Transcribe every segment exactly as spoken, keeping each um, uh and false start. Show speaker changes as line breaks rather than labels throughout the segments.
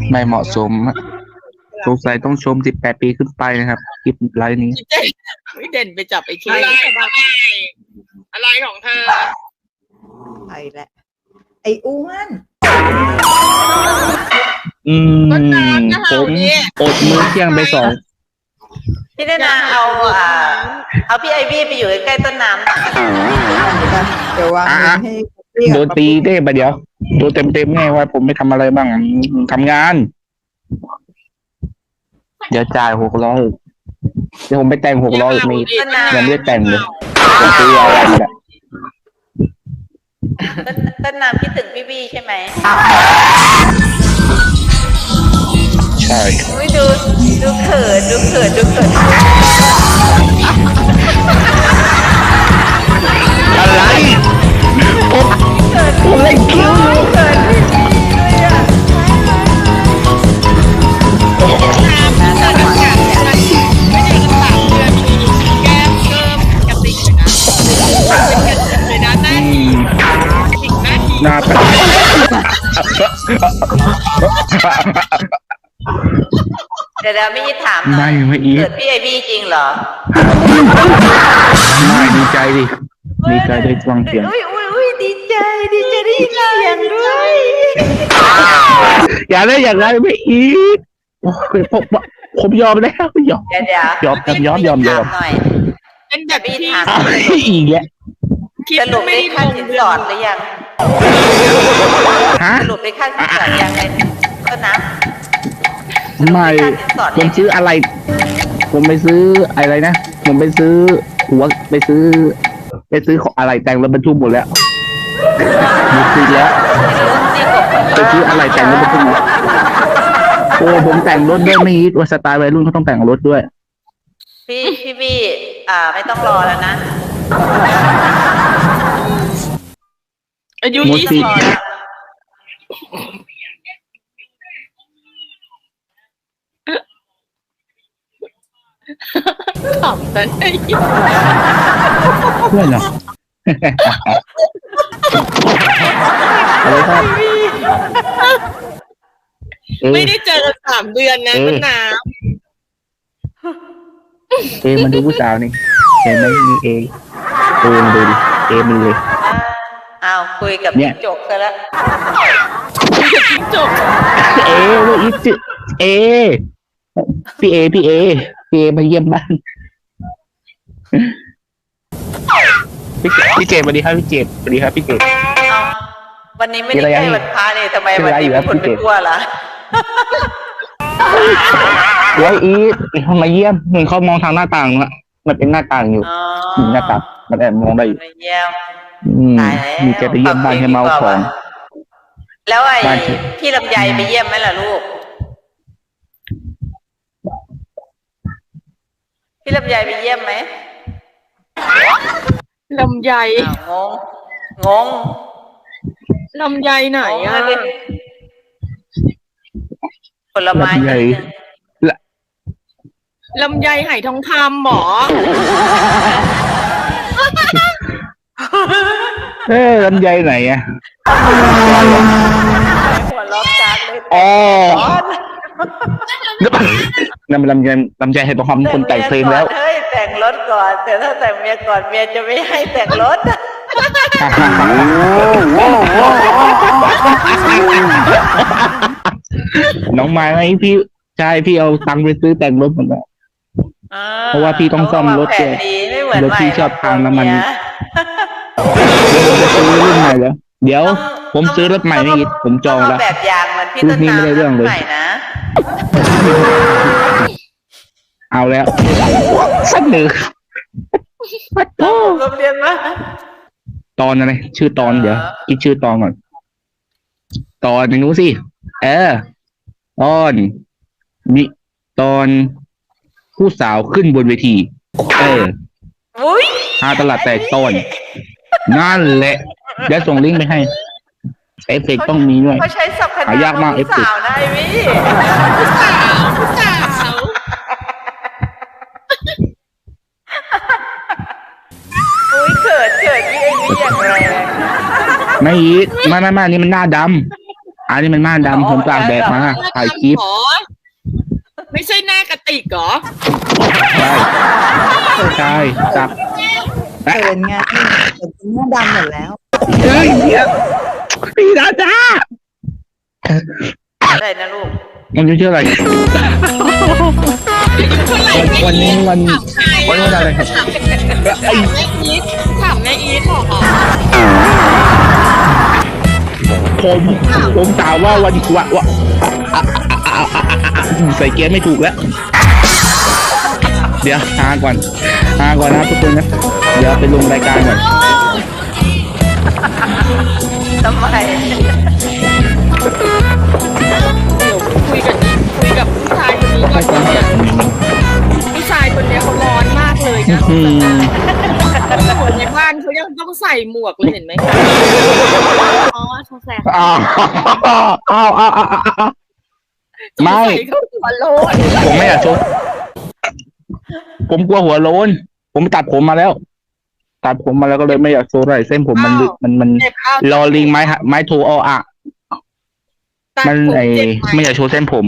ไม่เหมาะสมสงสัยต้องชมสิบแปดปีขึ้นไปนะครับคลิปไลฟ์นี้
ไม่เด่นไปจับไอ้เค
อะไรอะไรของเธอ
ไปแล้วไอ้อ้วน
อืมผมอดมื้อเที่ยงไปสอง
พี่ได้นาเอาอ่าเอาพี่ไอวี่ไปอยู่ใกล้ต้นน้ำเดี๋ยววางให้
โดนตีได้ปะเดี๋ยวโดนเต็มเต็มแน่ว่าผมไม่ทำอะไรบ้างทำงานเดี๋ยวจ่ายหกร้อยเดี๋ยวผมไปแต่งหกร้อยมียังไม่ได้แต่งเลยผมซื้ออะไรนี่แหละ
ต้นน้ำคิดถึงพี่บี้ใช่ไหม
ใช่
ดูดูเขินดูเขินดูเขิน
อะไรผมผมเล่นคิวอยู่
เขิน
หน้าตา
เดี๋ยวไม่ยิดถาม
ไม่ไม่อี
เกิดพี่ไอบี้จริงเหรอ
ไม่ดีใจดิดีใจได้ฟังเสียง
อุ้ยอุ้ยอุ้ยดีใจดีใจได้ยินเสียงด้วย
อย่าได้อย่างไรไม่อีโอ้ยผมผมยอมแล้วยอมยอมยอมยอมยอม
หน่อย
เป็นแบบพี่ถาม
อีกแล้ว
สรุปได้ค่าสินสอดหรือยังสรุปได้ค่าสินสอดยังไงก็นะ
ไม่ผมซื้ออะไรผมไปซื้ออะไรนะผมไปซื้อหัวไปซื้อไปซื้อของอะไรแต่งรถบรรทุกหมดแล้วหมดสิแล้วไปซื้ออะไรแต่งรถบรรทุกโอ้ผมแต่งรถด้วยไม่ฮิตว่าสไตล์วัยรุ่นเขาต้องแต่งรถด้วย
พี่พี่พี่อ่าไม่ต้องรอแล้วนะ
อายุยี่สิบขำแต่ไอ้
เพื่อนเหรออะไรครับ
ไม่ได้เจอกันสามเดือนนะต้นน้ำ
เอมันดูผู้สาวนี่เห็นไหมมีเอเอมันดูดิเอมันเลย
อ้าวคุยกับจิ้งจกซะแล้ว
คุยกับจิ้งจก
เอว่าอีจิเอพี่เอพี่เอพี่เอมาเยี่ยมบ้านพี่พี่เจมสวัสดีครับพี่เจมสวัสดีครับพี่เจม
วันนี้ไม่ได้ใกล้วันพระเลยทำไมวันนี้คนไปทั่วล่ะ
เดี๋ยวอีเขามาเยี่ยมเห็นเขามองทางหน้าต่างนะมันเป็นหน้าต่างอยู่หน้าต่างมันแอบมองได้อยู่มีแกไปเยี่ยมบ้านให้เมาของ
แล้วไอ้พี่ลำไยไปเยี่ยมไหมล่ะลูกพี่ลำไยไปเยี่ยมไหม
ลำไย
งงงง
ลำไยไหนอ่ะ
ผลไม้
ลำไยไหทองคำหมอ
เอ้ลำไยไหนอ่ะ
หัวล้อจากเลย
อ๋อนั่นมันลำไยลำไยให้ประคำคนแต่งเพลงแล้ว
เฮ้ยแต่งรถก่อนแต่ถ้าแต่งเมียก่อนเมียจะไม่ให้แต่งรถ
น้องไม้ไหมพี่ใช่พี่เอาตังค์ไปซื้อแต่งรถหมดแล้วเพราะว่าพี่ต้องซ่อมรถด้วยรถพี่ชอบทางน้ำมันผมจะซื้อรุ่นใหม่แล้วเดี๋ยวผมซื้อรถใหม่นี่ผมจองแล้ว
แบบยางมันพี่ต้นน้ำไม่ได้เรื่องเลย
เอาแล้วสักหนึ่ง
โอ้โรงเรียนมา
ตอนอะไรชื่อตอนเดี๋ยวคิดชื่อตอนก่อนตอนหนึ่งนู้สิเออตอนมีตอนผู้สาวขึ้นบนเวทีเออหาตลาดแตกตอนนั่นแหละเดี๋ยวส่งลิงก์ไปให้เอฟเฟกต์ต้องมีด้วย
เขาใช้สับขนาด
ยากมากเอฟเฟกต์
ได้วิ
ผู้สาวผู้สาว
อุ้ยเกิดเกิดพี่เองนี่อย่างไร
ไม่อีกไม่ไม่ไม่นี่มันหน้าดอันนี้มันม่านดำผมตากแดดมาถ่ายคลิป
หรอไม่ใช่หน้ากระติกเหรอ
ใช่ใช่ตาก
เขินไงเขินเป็นหน้าดำหมดแล้ว
เฮ้ยเนี่ยพี่ดาดา
อะไรนะลูก
มันชื่ออะไร วันนี้วันวันนี้อะไรครับไอ้
แม่อีทถามแม่อีทเหรอ
ผมผมถามว่าวันวะวะอ่ะอ่ะอ่ะอ่ะอ่ะใส่เกียร์ไม่ถูกแล้ว เดี๋ยวหาก่อนหาก่อนนะทุกคนนะเดี๋ยวไปลงรายการก่อน
ทำไม
เดี๋ยวคุยกับคุยกับผู้ชายคนนี้ก่อนเนี่ยผู้ชายคนเนี้ยเขาร้อนมากเลยนะ
อืม
คนในบ้านเขายังต้องใส่หมวกเลยเห็นไหมคะอ๋อสงสัย
อ้าวอ้าวอ้าวอ้าวอ้าวไม่
เขาหัวโลน
ผมไม่อยากชดผมกลัวหัวโล้นผมตัดผมมาแล้ว ตัดผมมาแล้วก็เลยไม่อยากโชว์อะไรเส้นผมมันลึกมันมัน
เจ็บเอา
รอลิงไม้ฮะไม้โทออ่ะ
ตัด
มัน
ผม
ไอ
เจ็บไหม
ไม่อยากโชว์เส้นผม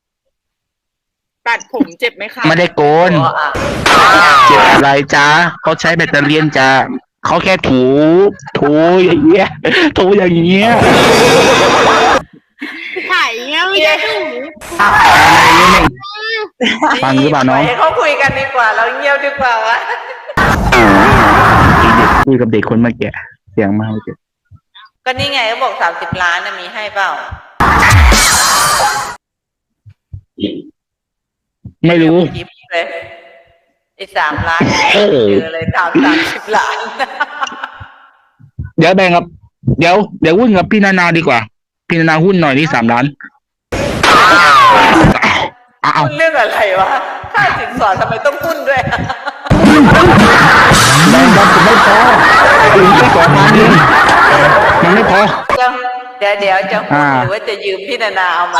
ตัดผมเจ็บไหมคะ
ไม่ได้โกน
อ๋ออ่ะ
เจ็บอะไรจ้าเขาใช้แบตเตอรี่จ้าเขาแค่ถูถูอย่างเงี้ยถูอย่างเงี้ย
ไข่เงี้ยไม่ได้ดู
ฟังหรือเปล่าน้อง
ให้เขาคุยกันดีกว่า เราเงียบดีกว่าวะ
คุยกับเด็กคนเมื่อกี้เสียงมาเมื่อกี้
ก็นี่ไงเขาบอกสามสิบล้านนะมีให้เปล่า
ไม่รู้
ยิบเลยไอ้สามล้าน
โอ้โห
เจอเลยถามสามสิบล้าน
เดี๋ยวแบ่งกับเดี๋ยวเดี๋ยวหุ้นกับพี่นานาดีกว่า พี่นานาหุ้นหน่อยนี่สามล้านอ้าว
หุ้นเรื่องอะไรวะค่าสินสอดทำไมต้องหุ้นด้วย
แบ่งกับผมไม่พอถึงแค่สองพันเองมันไม่พอ
เดี๋ยวเดี๋ยวจะหุ้น
อ่า
หรือว่าจะยืมพี่นานาเอาใหม่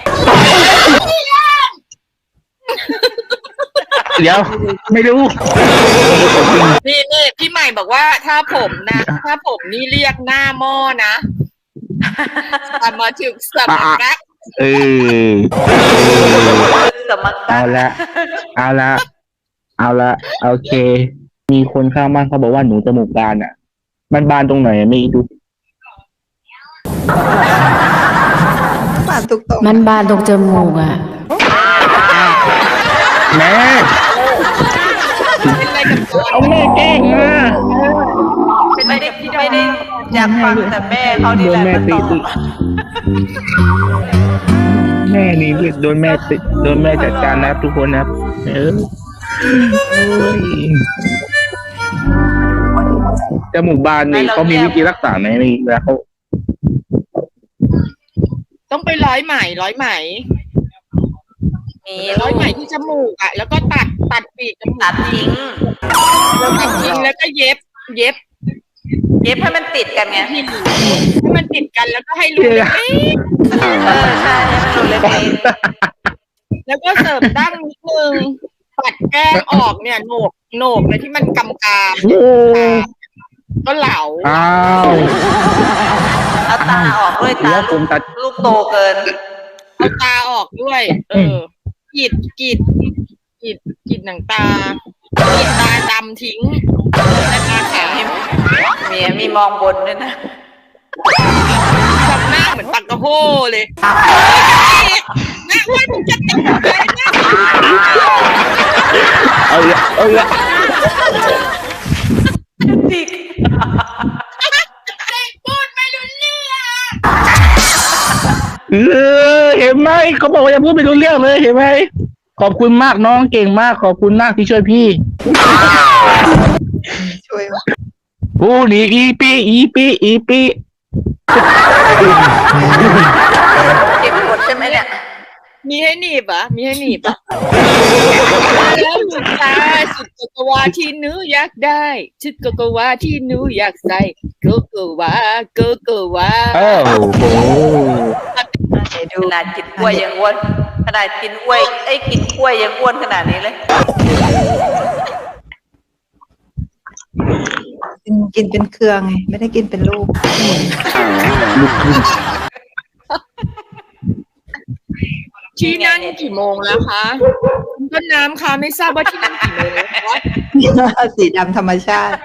เดี๋ยวไม่รู้
นี่นี่พี่ใหม่บอกว่าถ้าผมนะ ถ้าผมนี่เรียกหน้าหม้อนะสมาถึงสมัครรัก
เออ
สมัคร
เอาละเอาละเอาละโอเค มีคนข้างบ้านเขาบอกว่าหนูจมูกบานอ่ะ มันบานตรงไหนไม่ดู
ปานตุกตก
มันบานตรงจมูกอ่ะ
แม่
เป็นอะไรกับตัว
เอาแม่แกล้งมา
เป็นอะไร
ไม่ได้
กับพี่
ไม่ได้อยากฟังแต่แม่เขานี่
โด
แห
น
ละ
แม่
มัน
ตี
ตอบ
แม่นี่โดนแม่ตีโดนแม่จัดการนะครับทุกคนนะครับเออโอ้ยจมูกบานนี่เขามีวิธีรักษาไหมมีแล้วเขา
ต้องไปร้อยไหมร้อยไหม
มี
ร้อยไหมที่จมูกอ่ะ แล้วก็ตัดตัดปีกจมูก
ตัดทิ้ง
แล้วตัดทิ้งแล้วก็เย็บ เย็บ
เย็บให้มันติดกันไง
ให้มันติดกันแล้วก็ให้รูเล็ก
เออใช่ให้มันหลุดเล็ก
ๆแล้วก็เสริมดั้งนิดนึงตัดแก้มออกเนี่ยโหนกโหนกเลยที่มันกำกาม
โอ้
ก็เหลา
อ้าว
ๆเอาตาออกด้วยตา
แล้วผมตัด
ลูกโตเกิน
เอาตาออกด้วย เออกรีดกรีดกรีดกรีดหนังตากรีดตาดำทิ้งแต่ตาขาว
มีมีมองบนด้วยนะ
ทำหน้าเหมือนปักกระโฮเลยหน้าอ้วนมึงจะติดเลยหน้า
เอาละเอาละ
ติด
พูดไม่รู้เรื่อง
เออเห็นไหมเขาบอกว่าอย่าพูดไม่รู้เรื่องเลยเห็นไหมขอบคุณมากน้องเก่งมากขอบคุณมากที่ช่วยพี่
ช่วย
ผู้นี้อีปีอีปีอีปี
เก็บกดใช่ไหมเนี่ย
มีให้หนีบอ่ะมีให้หนีบอ่ะแล้วหนูตาชุดโกโกวาที่หนูอยากได้ชุดโกโกวาที่หนูอยากใส่โกโกวาโกโกวา
โอ้โห
ขนาดกินกล้วยยังอ้วนขนาดกินกล้วยไอ้ยกินกล้วยยังอ้วนขนาดนี้เลย
กินกินเป็นเครือไงไม่ได้กินเป็นลูก
ลูกครึ่ง
ที่นั่นกี่โมงแล้วคะคุณต้นน้ำคะไม่ทราบว่าที่นั่นกี่โมงแล้วคะ
สีดำธรรมชาติ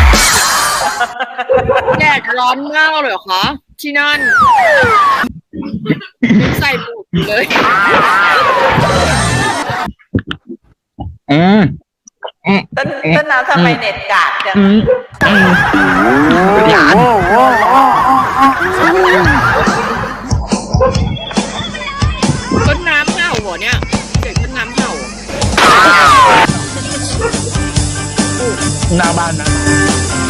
แดดร้อนมากเลยเหรอคะที่นั่นยังใส่หมวกอยู่เลย
อืม
ต้นต้นน้ำทำไมเน็ตกากจัง
อืมอืมหลาน
ต้นน้ำเห่าเหรอเนี่ยเสียงต้นน้ำเห่า
หน้าบ้านนะ